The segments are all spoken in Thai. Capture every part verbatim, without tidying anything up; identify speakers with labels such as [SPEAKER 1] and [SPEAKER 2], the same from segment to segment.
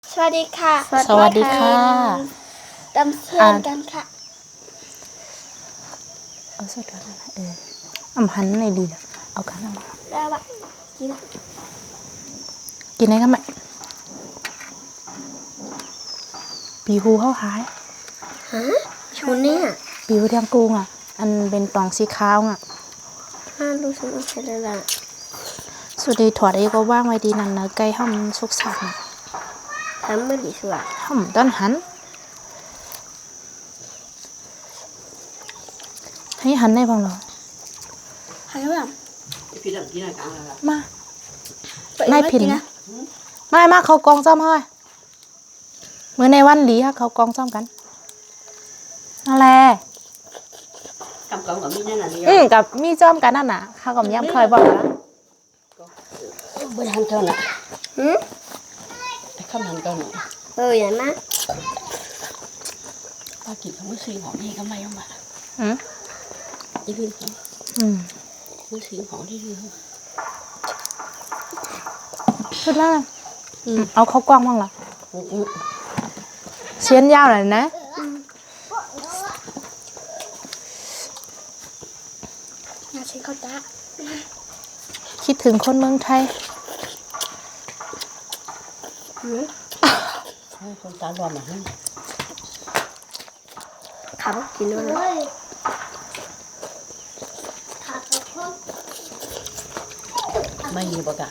[SPEAKER 1] สวัสดีค่ะ
[SPEAKER 2] สวัสดีค่ะ
[SPEAKER 1] ดำเชิญกันค่ะ
[SPEAKER 2] เอาสดกันนะเอออำหันในดีนะเอากันเอามา
[SPEAKER 1] แล้วแบบกิน
[SPEAKER 2] กินได้กันไหมปีหูเข้าหาย
[SPEAKER 1] ฮะชูเนี่ย
[SPEAKER 2] ปีหูเทียงกุ้งอ่ะอันเป็นตองสีขาวอ่ะ
[SPEAKER 1] ห้ารู้สึกว่าใช่แล้วล่ะ
[SPEAKER 2] สุดดีถอดไอ้ก็ว่างไว้ดีนั่นเนอะไก่ห้อมสุกสักนะ
[SPEAKER 1] ทำไม่ดีสวย
[SPEAKER 2] ห้อมต้นหันให้หันได้บ้างเหรอ
[SPEAKER 1] หายแล้วแบบ
[SPEAKER 2] มาไม่ผิดนะไม่มาเขากองจ้อมเฮ้ยเมื่อในวันหลีฮะเขากองจ้อมกันนั่นแหละ
[SPEAKER 3] cầm cọng ở bên này là
[SPEAKER 2] อืมกับมีจ้อมกันนั่นน่ะข้ากับย้ำเคยบอกแล้ว
[SPEAKER 3] bên hành con nè
[SPEAKER 1] หืม
[SPEAKER 3] không hành con nè
[SPEAKER 1] เอออย่างนั้น
[SPEAKER 3] ba chị không có xuyên họ đi có may không ạ
[SPEAKER 2] อืม
[SPEAKER 3] đi viên không
[SPEAKER 2] อืม
[SPEAKER 3] có xuyên họ đi đi không
[SPEAKER 2] ขึ้นแล้วนะอืมเอาเขากว้างบ้างเหรอ
[SPEAKER 3] ừ, ừ.
[SPEAKER 2] เชียนยาวหน่อยนะ
[SPEAKER 1] งานเช็คข้าวตา
[SPEAKER 2] คิดถึงคนเมืองไทย
[SPEAKER 3] Thôi, con ta lo mà không
[SPEAKER 1] ขับกินด้วยนะ
[SPEAKER 3] may gì bà cả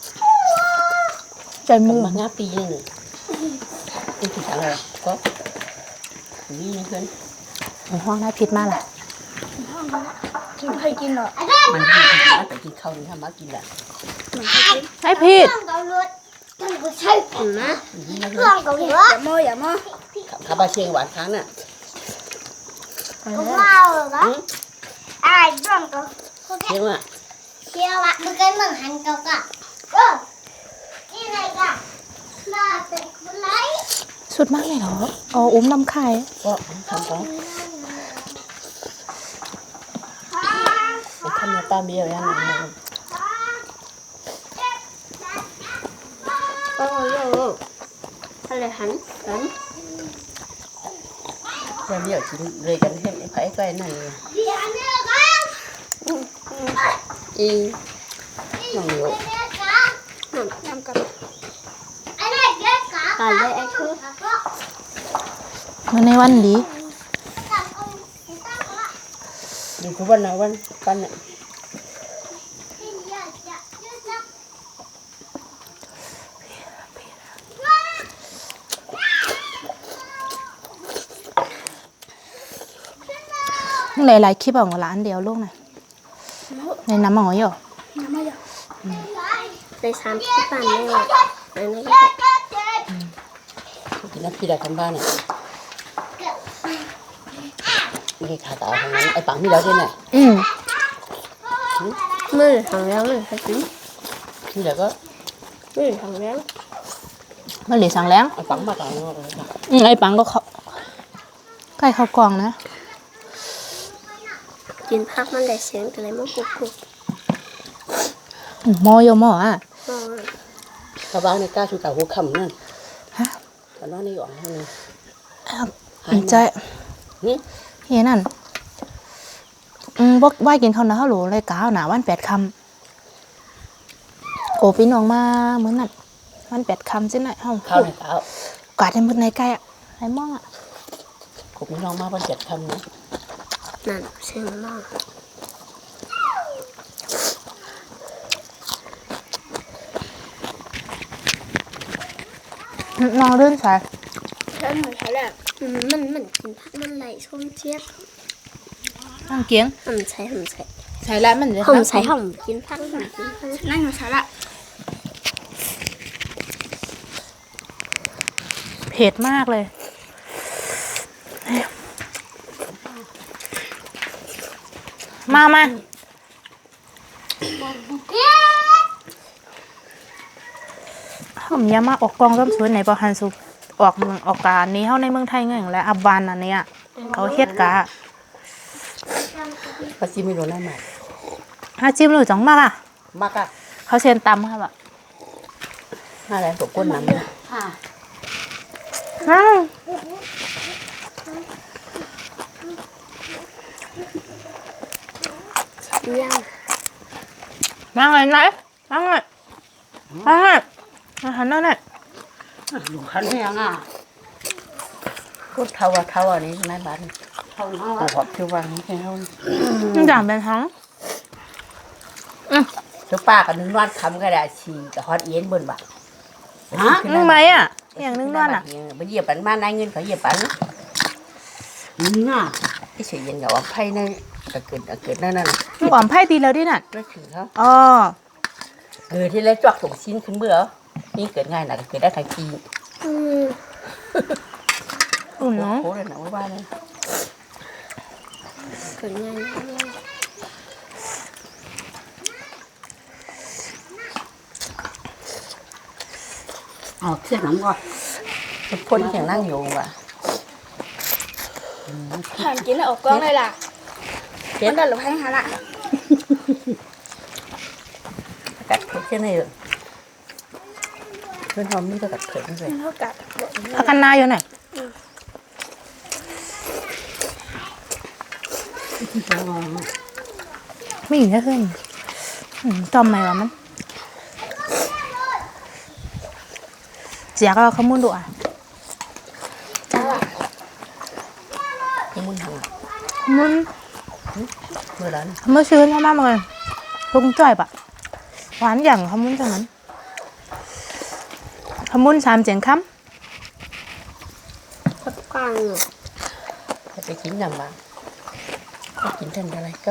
[SPEAKER 2] ใจมือ
[SPEAKER 3] mà ngáp pi này nè em chỉ thằng rồi có đi nha khuyên
[SPEAKER 2] ในห้องน่าผิดมากล่ะ
[SPEAKER 1] กินเคยกินเหรอ
[SPEAKER 3] mình đi thì má phải chín không thì má chín là
[SPEAKER 2] ให้ผิด
[SPEAKER 1] อืมนะ
[SPEAKER 3] đi nha
[SPEAKER 1] เรื่อง
[SPEAKER 3] khuyên
[SPEAKER 1] เกาหลีอย่าโมอย่าโม
[SPEAKER 3] khá ba chiên quả tháng nè
[SPEAKER 1] ว้าวเหรอไอ้เรื่องเกา
[SPEAKER 3] chiên à
[SPEAKER 1] เชียวอะมันก็เหมือนหันเกากับเออนี่ไงกะมาเป็นคนไร
[SPEAKER 2] สุดมากเลยเหรออ๋ออุ้มน้ำไข่
[SPEAKER 3] có không có để thăm nhà ta bia rồi ăn nè
[SPEAKER 1] โอ้โหอะไรหันหัน
[SPEAKER 3] rồi bia chỉ về gần thêm phải cái này
[SPEAKER 1] เดี๋ยวเนี่ยกัน
[SPEAKER 3] y nó nhiều
[SPEAKER 1] น้ำน้ำกันอะไรเด็กกะกันเลยไอ้คือ
[SPEAKER 2] เมื่อในวันหลี
[SPEAKER 3] đi của văn nào văn văn này
[SPEAKER 2] หลายๆคลิปของร้านเดียวลูกน่ะในน้ำหมอยเหรอ
[SPEAKER 1] ในสามที่ปั่นไม่หมดอันนี้ก็
[SPEAKER 3] thì nó khi là con ba này cái khả tạo thằng này ai bằng đi đâu thế này
[SPEAKER 2] อืม
[SPEAKER 1] มือถังแล้วมือสักที
[SPEAKER 3] khi là có
[SPEAKER 1] มือถังแล้ว
[SPEAKER 2] เมื่อหลีสั่งแล้ว
[SPEAKER 3] ai bằng mà tạo
[SPEAKER 2] อืมไอ้ปังก็เขาใกล้เขากล่องนะ
[SPEAKER 1] กินพักมันได้เสียงแต่อะไรมันกุกกุก
[SPEAKER 2] อืมหมอโยหมออ่ะ
[SPEAKER 3] các bác này ca chú cả hố khẩm nè
[SPEAKER 2] ฮะ
[SPEAKER 3] và nó đi gọi này
[SPEAKER 2] อืมใจ
[SPEAKER 3] ừ.
[SPEAKER 2] เฮียนั่นอืมบอกว่ากินข้าวหน้าข้าวหลูเลยก้าวหนาวันแปดคำโอ้พี่น้องมาเหมือนนั่นวันแปดคำสิไหนห้อง
[SPEAKER 3] khao này tạo
[SPEAKER 2] กาดในมือในใกล้อ่ะไอ้ม่องอ่ะ
[SPEAKER 3] cũng nó má văn chật khẩm nữa
[SPEAKER 1] นั่นเสียงมาก
[SPEAKER 2] นอนรื่นใส่
[SPEAKER 1] แล้วเหมือนเขาแหละมันมันกินพักมันไหลส้มเจี๊ยบ
[SPEAKER 2] นั่งเกียง
[SPEAKER 1] หอมใส่หอมใส่
[SPEAKER 2] ใส่แล้วมันจะ
[SPEAKER 1] หอมใส่หอมกินพักหอมกินพักนั่งอยู่ใส่ละ
[SPEAKER 2] เผ็ดมากเลย มามาผมยามาออกกองร่มสวยในประหันสุออกเมืองออกการนี้เข้าในเมืองไทยเงี้ยและอับบานอันเนี้ยเขาเฮ็ดกะ
[SPEAKER 3] và chim mình đồ này mà
[SPEAKER 2] ถ้าจิ้มหรือจังมากอ่ะ
[SPEAKER 3] mắc à
[SPEAKER 2] เขาเชิญตำครับอ่ะ
[SPEAKER 3] hai này của quân nằm đây
[SPEAKER 2] อ้าว
[SPEAKER 1] ยัง
[SPEAKER 2] นั่งเลยไหนนั่งเลยนั่งเลยอาหารนั่นแหละ
[SPEAKER 3] ลูกขันยังอ่ะพูดเท่าเท่าอันนี้ในบ้านเท่าน้องหอบที่วางแค่เท่า
[SPEAKER 2] มันจางเป็นท้อง
[SPEAKER 3] เจ้าป้ากับนึงนวดคำก็ได้ฉี่กับฮอตเอ็นบนบ่าฮะ
[SPEAKER 2] นึ่งไหมอ่ะอย่างนึ่งนวดอ่ะ
[SPEAKER 3] ไปเหยียบปันมานายเงินเขาเหยียบปันนี่น่ะที่เสียเย็นกับว่าไพ่ในกระเกิดกระเกิดนั่นน่ะ
[SPEAKER 2] ลูกอ่อมไพ่ดีแล้วดิน่ะ
[SPEAKER 3] ไม่ถึงเขา
[SPEAKER 2] อ๋อ
[SPEAKER 3] เกิดที่แล้วจวกส่งชิ้นขึ้นเบื่อนี่เกิดง่ายนะเกิดได้ทันที
[SPEAKER 1] อืม
[SPEAKER 2] อุ่นเนาะ
[SPEAKER 3] โค้เลยนะว่าบ้านเลย
[SPEAKER 1] เกิดงาน
[SPEAKER 3] อ๋อเทียนน้ำก่อนพ่นอย่างนั่งอยู่ว่ะ
[SPEAKER 4] หันกินแล้วออกกล้องเลยล่ะมันดันหรือให้หาละ
[SPEAKER 3] กัดเผ็ดเช่นนี้เพื่อนหอมนี่ก็กัดเผ็ดนั่นเลย
[SPEAKER 4] มันเท่ากับ
[SPEAKER 2] พักกันนาอยู่ไหนไม่อยู่แค่ขึ้นอืมจอมไหมวะมันเจียก็ขมุนดูอ่ะ
[SPEAKER 3] ที่มึงทำอ่ะ
[SPEAKER 2] ขมุน
[SPEAKER 3] เมื่อนั้น
[SPEAKER 2] เมื่อชื้นมากๆเลยลุงจ่อยปะหวานอย่างขมุนจังนั้นขมุนสามเจียงค
[SPEAKER 1] พักกลางอ่ะ
[SPEAKER 3] จะไปกินยำบ้างก็กินทันอะไรก็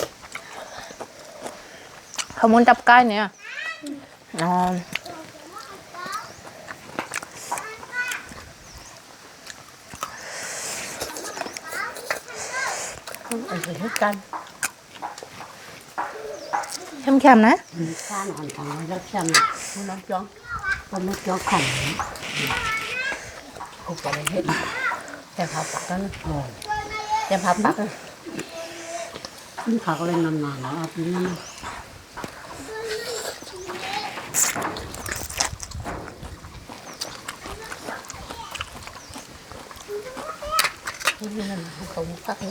[SPEAKER 2] ำขมุนจับใกล้เนี่ยอ๋อ
[SPEAKER 3] อันนี้กัน
[SPEAKER 2] เข้มๆนะ
[SPEAKER 3] ข้าหนอนของเราแช่มันน้ำจ้องมันน้ำจ้องขันผูกอะไรเห็ดแต่พาปักนั่นแต่พาปักนี่เขาก็เลยนานๆแล้วปีนี้นี่นั่นเขาปักนี่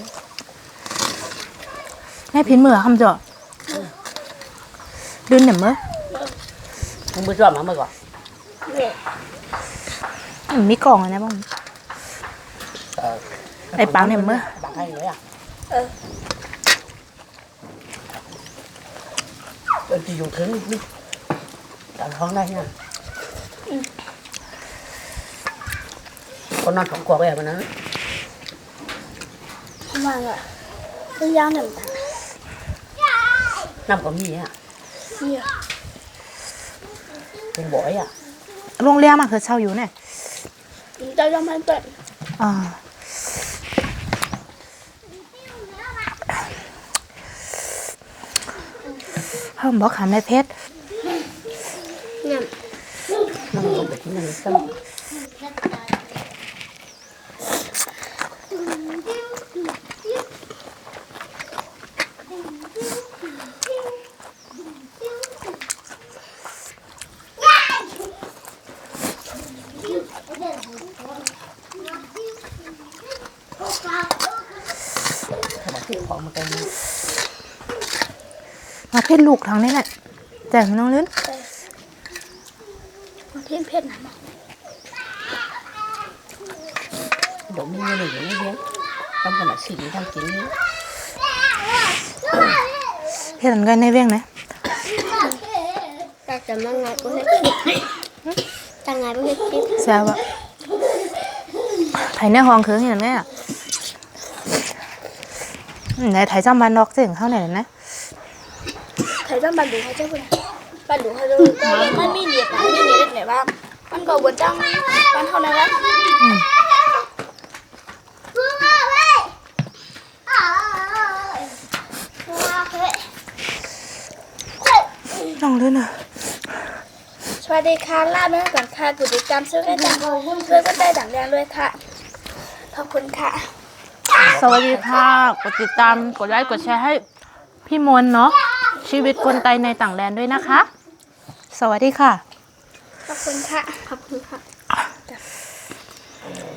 [SPEAKER 2] แม่พินมือคำเจาะดืนเนี่ยเมื่อ
[SPEAKER 3] มึงไปจอดมาเมื่อก่อน
[SPEAKER 2] อืมมีกล่องอะไรบ้าง ไอ้ปังเนี่ยเมื่อ
[SPEAKER 3] ปังให้เลยอ่ะเออจะอยู่ถึงนี่แต่ท้องได้เนี่ยคนนอนสองขวบแบบนั้น
[SPEAKER 4] มันอ่ะตัวยาวหนึ่ง
[SPEAKER 3] น้ำก็มีอ่ะ
[SPEAKER 4] เสีย
[SPEAKER 3] เป็นบ่อยอ่ะ
[SPEAKER 2] โรงเรียนมาคือเช่าอยู่เนี่ย
[SPEAKER 4] จะยอมให้เปิด
[SPEAKER 2] อ่าเพิ่มบอกขาแม่เพชร
[SPEAKER 1] เนี่ย
[SPEAKER 3] น้ำลงไปที่นั่นก็ ที่ของมันเป็น
[SPEAKER 2] มาเพชรลูกทางนี้แหละแต่น้องลื่น
[SPEAKER 4] มันเทียนเพชรนะ
[SPEAKER 3] เดี๋ยวมีเงินอยู่นี่เยอะต้องขนาดสิ่งทำกินนี้
[SPEAKER 2] เพชรอันกันในเวียงนะ
[SPEAKER 1] แต่จะมาไงก็ให้คิดแต่ไงก็ให้คิด
[SPEAKER 2] แซวอะไถในห้องเคืองเห็นไหมอ่ะไหนไถจำบันดอกเสียงเข้าไหนนะ
[SPEAKER 4] ใครต้องบันดูเขาเจ้าคนบันดูเขาเจ้ามันมีเหนียบมันมีเหนียบไหนบ้างมันก็บนจังมันเท่านั้นแหละ
[SPEAKER 2] น้องลื่นอ่ะ
[SPEAKER 4] สวัสดีค่ะลาเนื้อก่อนค่ะกดติดตามช่วยได้ดังช่วยก็ได้ดังแรงด้วยค่ะขอบคุณค่ะ
[SPEAKER 2] สวัสดีค่ะ กดติดตาม กดไลค์ กดแชร์ให้พี่มนเนาะ ชีวิตคนไทยในต่างแดนด้วยนะคะ สวัสดีค่ะ
[SPEAKER 4] ขอบคุณค่ะขอบคุณค่ะ
[SPEAKER 3] เ